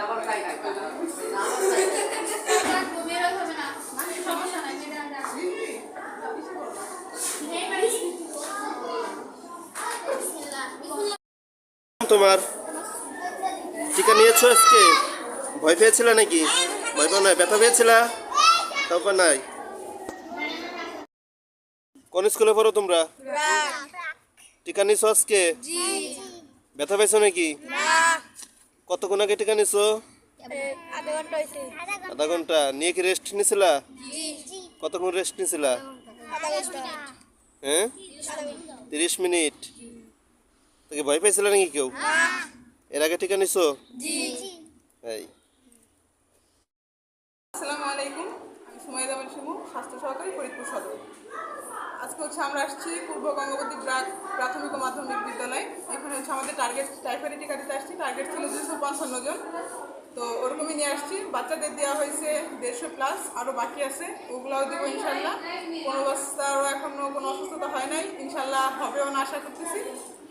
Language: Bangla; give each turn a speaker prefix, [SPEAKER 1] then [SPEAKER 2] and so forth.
[SPEAKER 1] তোমার টিকা নিয়েছো আজকে? ভয় পেয়েছিল নাকি? ভয় পাও নাই? ব্যথা পেয়েছিল? তারপর নাই। কোন স্কুলে পড়ো তোমরা? টিকা নিছো আজকে? ব্যথা পেয়েছো নাকি? কতক্ষণ আগে টিকা নিছো? আধা ঘন্টা। নিয়ে কি রেস্ট নিছিলা? কতক্ষণ রেস্ট নিছিলা? হ্যাঁ, 30 মিনিট। তোকে ভয় পেয়েছিল নাকি কেউ? এর আগে টিকা নিছো? এই
[SPEAKER 2] আসসালামু আলাইকুম, আমি সুমাইদা শিমু, স্বাস্থ্য সহকারী ফরিদপুর সদর। আজকে আমরা আসছি পূর্ব গঙ্গাবতী প্রাথমিক ও মাধ্যমিক বিদ্যালয়। এখানে আমাদের টার্গেট টাইফয়েড টিকা দিতে আসছি। টার্গেট ছিল 255 জন, তো ওরকমই নিয়ে আসছি। বাচ্চাদের দেওয়া হয়েছে 150+, আরও বাকি আছে, ওগুলাও দেবো ইনশাল্লাহ। কোনো বাচ্চারও এখনও কোনো অসুস্থতা হয় নাই, ইনশাল্লাহ হবেও না আশা করতেছি।